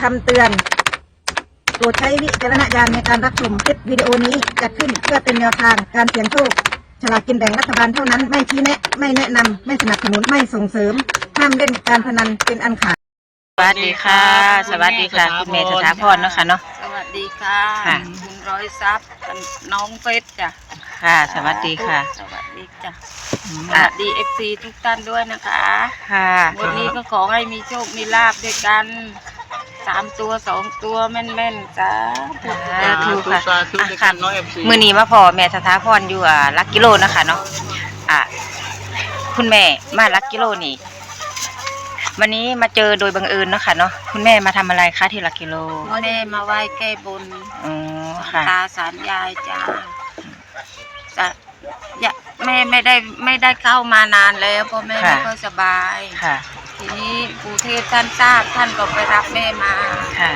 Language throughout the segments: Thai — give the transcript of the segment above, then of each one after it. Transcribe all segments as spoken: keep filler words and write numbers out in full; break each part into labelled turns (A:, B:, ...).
A: ำเตือนโปรดใช้วิจารณญาณในการรับชมคลิปวิดีโอนี้จัดขึ้นเพื่อเป็นแนวทางการเสี่ยงโชคฉลากกินแบ่งรัฐบาลเท่านั้นไม่ชี้แนะไม่แนะนำไม่สนับสนุนไม่ส่งเสริมห้ามเล่นการพนันเป็นอันขาด
B: สวัสดีค่ะสวัสดีค่ะคุณเมย์สถาพรเนาะค่ะเนาะ
C: สวัสดีค่ะคุณร้อยทรัพย์น้องเฟสจ้ะ
B: ค่ะสวัสดีค่ะ
C: สวัสดีจ้ะสวัสดีเอฟซีทุกท่านด้วยนะคะ
B: ค่ะ
C: วันนี้ก็ขอให้มีโชคมีลาภด้วยกันสามตัวสองตัวแม่นๆจ้า
B: ถูกค่ะค่ะมือนี้มาพอแม่สถาพรอยู่อ่ะลักกิโลนะคะเนาะอ่ะคุณแม่มาลักกิโลนี่วันนี้มาเจอโดยบังเอิญเนาะค่ะเนาะคุณแม่มาทำอะไรคะที่ลักกิโล
C: แม่มาไหว้แก้บน
B: อ๋อค่ะ
C: ตาสารยายจ้าจะแม่ไม่ได้ไม่ได้เข้ามานานแล้วเพราะแม่ไม่ค่อยสบาย
B: ค่ะ
C: ทีนี้ปู่เทพท่านทราบท่านก็ไปรับแม่มา
B: ค่ะ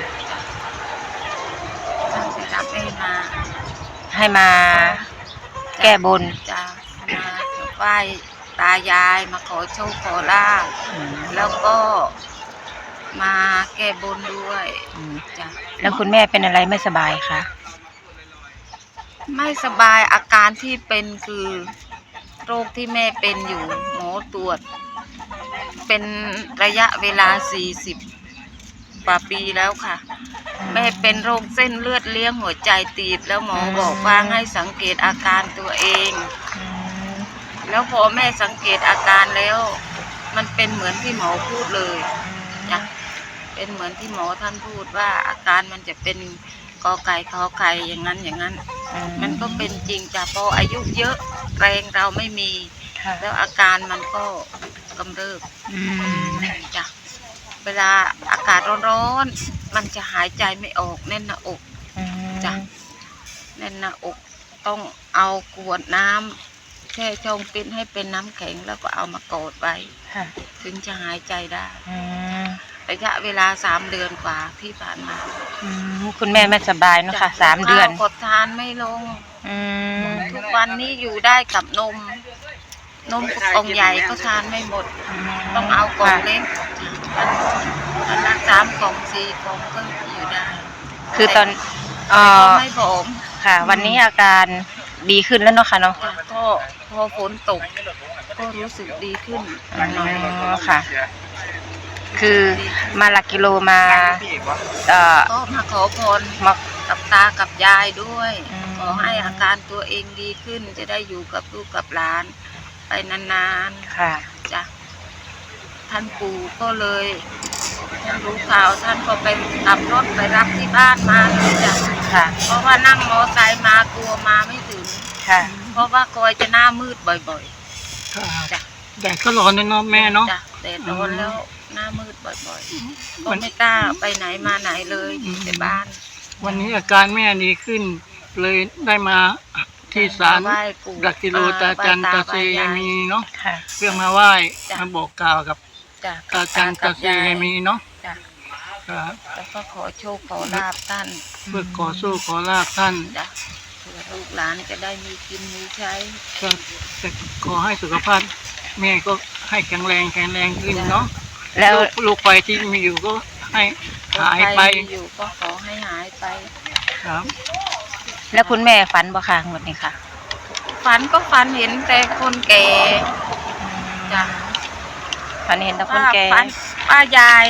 C: ท่านไปรับแม่มา
B: ให้มาแก้บน
C: จ้ามาไหว้ตายายมาขอโชคขอลาภแล้วก็มาแก้บนด้วยจ้ะ
B: แล้วคุณแม่เป็นอะไรไม่สบายคะ
C: ไม่สบายอาการที่เป็นคือโรคที่แม่เป็นอยู่หมอตรวจเป็นระยะเวลาสี่สิบกว่าปีแล้วค่ะแม่เป็นโรคเส้นเลือดเลี้ยงหัวใจตีบแล้วหมอบอกว่าให้สังเกตอาการตัวเองแล้วพอแม่สังเกตอาการแล้วมันเป็นเหมือนที่หมอพูดเลยจ้ะเป็นเหมือนที่หมอท่านพูดว่าอาการมันจะเป็นกอไก่ขอไข่อย่างนั้นอย่างนั้นมันก็เป็นจริงจ้ะพออายุเยอะแรงเราไม่มีแล้วอาการมันก็กำเริบจ้ะเวลาอากาศร้อนๆมันจะหายใจไม่ออกแน่นหน้าอกจ้ะแน่นหน้าอกต้องเอาขวดน้ำแช่ช่องฟิตให้เป็นน้ำแข็งแล้วก็เอามากดไว้ถึงจะหายใจได้ระยะเวลาสามเดือนกว่าที่ผ่านมา
B: คุณแม่ไม่สบายเนาะค่ะสามเดือน
C: กดทานไม่ลงทุกวันนี้อยู่ได้กับนมนมกล่องใหญ่ก็ทานไม่หมดต้องเอากล่องเล็กมันละสามกล่องสี่กล่องก็อยู่ได้
B: คือตอน
C: เอ่อไม่ผอม
B: ค่ะวันนี้อาการดีขึ้นแล้วเนาะค่ะเนาะ
C: ก็พอฝนตกก็รู้สึกดีขึ้น
B: หน่อยค่ะคือมาลักกิโลมา
C: เอ่อก็มาขอพรมากับตากับยายด้วยขอให้อาการตัวเองดีขึ้นจะได้อยู่กับลูกกับหลานไปนาน
B: ๆค่ะ
C: จ้ะท่านปู่ก็เลยท่านรู้ข่าวท่านก็ไปขับรถไปรับที่บ้านมาเลยจ้ะ
B: ค่ะ
C: เพราะว่านั่งมอไซค์มากลัวมาไม่ถึง
B: ค่ะ
C: เพราะว่ากอยจะหน้ามืดบ่อยๆจ้ะ
D: แดดก็ร้อนเนาะแม่เนาะ
C: จ้ะแดดร้อนแล้วหน้ามืดบ่อยๆก็ไม่กล้าไปไหนมาไหนเลยอยู่แต่บ้าน
D: วันนี้อาการแม่ดีขึ้นเลยได้มาที่ศาลลักกิโลตาจันตาเซยมีเนาะเพื่อมาไหว้มาบอกกล่าวกับตาจันตาเซยมีเนาะ
C: แล้วก็ขอโชคขอลาภท่าน
D: เพื่อขอโชคขอลาภท่าน
C: เพื่อลูกหลานจะได้มีกินมีใช้
D: จะขอให้สุขภาพแม่ก็ให้แข็งแรงแข็งแรงขึ้นเนาะ
B: แล้ว
D: ลูกไฟที่มีอยู่ก็ให้หายไป
C: อยู่ก็ขอให้หายไป
D: ครับ
B: แล้วคุณแม่ฝันบ่คะหมดนี่ค่ะ
C: ฝันก็ฝันเห็นแต่คนแก่จ้ะ
B: ฝันเห็นแต่คนแก่
C: ป้ายาย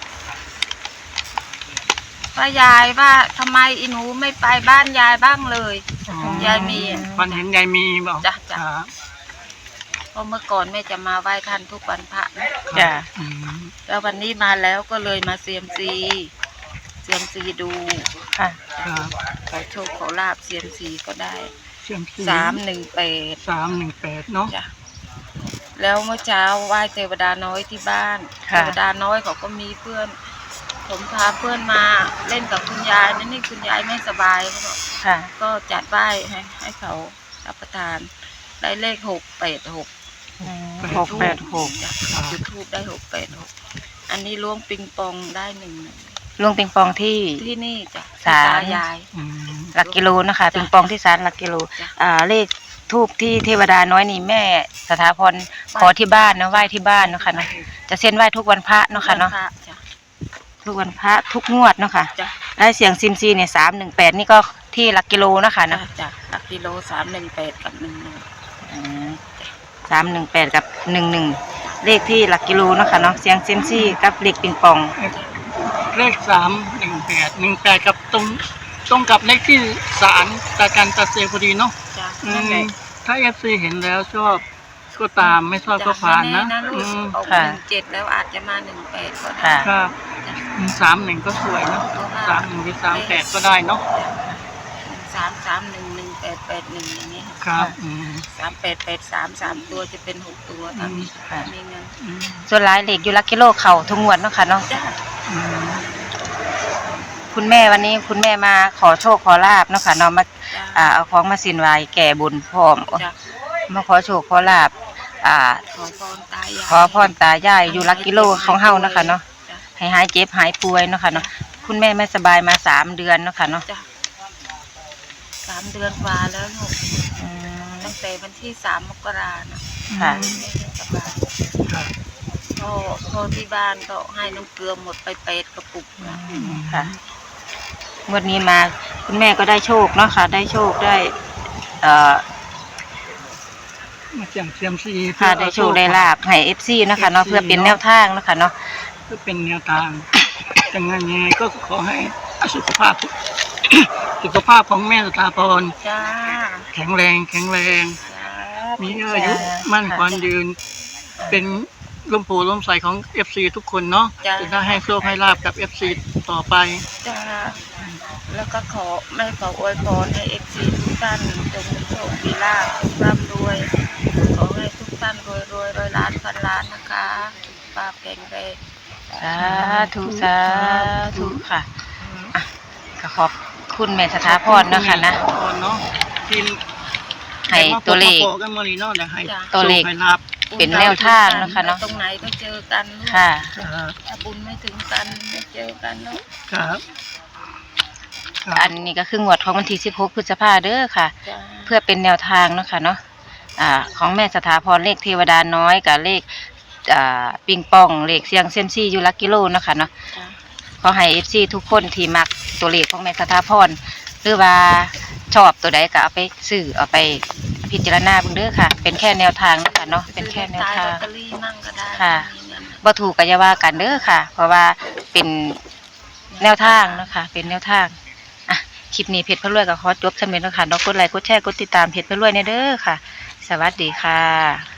C: ป้ายายว่าทำไมอีหนูไม่ไปบ้านยายบ้างเลยยายมี
D: ฝันเห็นยายมีบอก
C: จ้ะจ้ะเพราะเมื่อก่อนแม่จะมาไหว้ท่านทุกวันพระนะ
B: จ้ะ
C: แล้ววันนี้มาแล้วก็เลยมาเซียมซีเซียมซีดู
B: ค่ะ
C: ขอโชคขอลาบเซียมซีก็ได้สามหนึ่งแปด
D: สามหนึ่งแปดเนาะ
C: แล้วเมื่อเช้าไหว้เทวดาน้อยที่บ้านเทวดาน้อยเขาก็มีเพื่อนผมพาเพื่อนมาเล่นกับคุณยายนั่นนี่คุณยายไม่สบายเขาบอกก็จัดไหว้ให้ให้เขารับประทานได้เลขหกแปดหก
B: หกแปดหก
C: จุดทูบได้หกแปดหกอันนี้ล้วงปิงปองได้หนึ่ง
B: ล้วงปิงปองที่
C: ที่นี่จ้ะ
B: ศาล
C: ยาย
B: หลักกิโลนะคะปิงปองที่ศาลหลักกิโลอ่าเลขทูบที่เทวดาน้อยนี่แม่สถาพรขอที่บ้านนะไหว้ที่บ้านเนาะค่ะเนาะจะเส้นไหว้ทุกวันพระเนาะค่ะเนาะ
C: ข
B: ทุกวันพระทุกงวดเนาะค่ะ
C: จ้ะ
B: ได้เสียงซิมซีเนี่ยสามหนึ่งแปดนี่ก็ที่หลักกิโลเนาะค่ะ
C: จ้ะ
B: เนาะ
C: จ้ะหลักกิโลสามหนึ่งแปดกับหนึ่งหนึ่ง
B: สามหนึ่งแปดกับหนึ่งหนึ่งเลขที่หลักกิโลเนาะค่ะเนาะเสียงซิมซีกับเลขปิงปอง
D: เลขสามหนึ่งแปดหนึ่งแปดกับตรงตรงกับเลขที่ศาลตาจันตาเซพอดีเนาะ
C: จ้ะ
D: อื
C: นั่นแห
D: ม
C: ละ
D: ถ้าเอฟซีเห็นแล้วชอบก็ตามไม่ชอบก็ผ่านนะ
C: จ้ะไม่แลู
D: อื
C: ก
D: ม
C: ออก
B: ค่ะ
C: หนึ่งเจ็ดแล้วอาจจะมาหนึ่งแปดก็ได้
B: ค่ะ
D: ครับ
C: จ้ะ
D: สามหนึ่งก็สวยเนาะสามหนึ่งหรือสามแปดก็ได้เนาะ
C: สามสามหนึ่งหนึ่งแปดแปดหนึ่งอย่างนี้
D: ครับอืม
C: สามแปดแปดสามสามตัวจะเป็นหกตัวถ้ามี
B: ค่ะ
C: มีเงิน
D: อืม
B: ส่วนหลายเลขอยู่หลักกิโลเข่าทุกงวดเนาะค่ะเนาะ
C: จ้ะ
D: อืม
B: คุณแม่วันนี้คุณแม่มาขอโชคขอลาบเนาะค่ะเนาะมา
C: จ้ะ
B: อ่าเอาของมาสินไหวแก่บุญพร้อม
C: จ้ะ
B: มาขอโชคขอลาบอ่า
C: ขอพรตายาย
B: ขอพรตายายอยู่หลักกิโลของเฮาเนาะค่ะเนาะ
C: จ้ะ
B: ให้หายเจ็บหายป่วยเนาะค่ะเนาะคุณแม่ไม่สบายมาสามเดือนเนาะค่ะเนาะ
C: จ้ะสามเดือนกว่าแล้วลูก
B: อืม
C: ตั้งแต่วันที่สามมกรานะ
B: ค่ะ
C: ไม่ได้สบาย
D: ครับ
C: พ่อพ่อที่บ้านก็ให้น้ำเกลือหมดไปเปดกระปุกนะ
B: ค่ะงวดนี้มาคุณแม่ก็ได้โชคเนาะค่ะ ได้โชคได้เอ่อ
D: มาเสี่ยงเซียมซี
B: ค่ะได้โชคได้ลาบให้เอฟซีเนาะค่ะเนาะเพื่อเป็นแนวทางเนาะค่ะเนาะ
D: เพื่อเป็นแนวทางแต่งานยังไงก็ขอให้สุขภาพ สุขภาพของแม่สถาพร
C: จ้า
D: แข็งแรงแข็งแรง
C: จ้า
D: มีอายุมั่นขวัญยืน เป็นลมโพลมใสของ เอฟ ซี ทุกคนเนาะจะได้ให้โชคให้ลาบกับ เอฟ ซี ต่อไป
C: จ้าแล้วก็ขอแม่ขออวยพรให้เอฟซีทุกท่านจงมีโชคมีลาภทุกร่ำรวยขอให้ทุกท่านรวยรวยร้อยล้านพันล้านนะคะสุขภาพแข็งแรง
B: สาธุสาธุค่ะอ่ะก็ขอบคุณแม่สถาพรเนาะค่ะนะ
D: พรเนาะทีม
B: ให้ตัวเลข
D: มาโปะกันมาลีเนาะเดี๋ยวให้
B: ตัวเลข
D: โชคให้ลาบ
B: เป็นแนวทางนะคะเนาะ
C: ตรงไหนก็เจอกันลูก
B: ค่ะ
D: ครับ
C: ถ้าบุญไม่ถึงกันไม่เจอกันเนาะ
D: ครับครั
B: อั
D: บ
B: นนี้ก็คืองวดของวันที่สิบหกพฤษภาเด้อค่ะ
C: จ้า
B: เพื่อเป็นแนวทางเนาะค่ะเนาะอ่าของแม่สถาพรเลขเทวดาน้อยกับเลขอ่าปิงปองเลขเสียงเซยมซี่อยู่หลักกิโลเนาะค่ะเนาะ
C: จ้า
B: ขอให้เอฟซีทุกคนที่มักตัวเลขของแม่สถาพรหรือว่าชอบตัวใดก็เอาไปซื้อเอาไปพิจารณาเบิ่งเด้อค่ะ เป็นแค่แนวทางเนาะค่ะเนาะเป็นแค่แนว
C: ซื้อ
B: ทา
C: ลอง ตเตอรี่มั่งก็ได้
B: ค่ะ
C: มีเงิน
B: บ่ถูกก็อย่าว่ากันเด้อค่ะ เพราะว่าเป็นแนวทางเนาะค่ะเป็นแนวทางอ่ะคลิปนี้เพจพระรวยก็ขอจบสำเร็จแล้วค่ะเนาะกดไลค์กดแชร์กดติดตามเพจพระรวยเนี่ยเด้อค่ะ สวัสดีค่ะ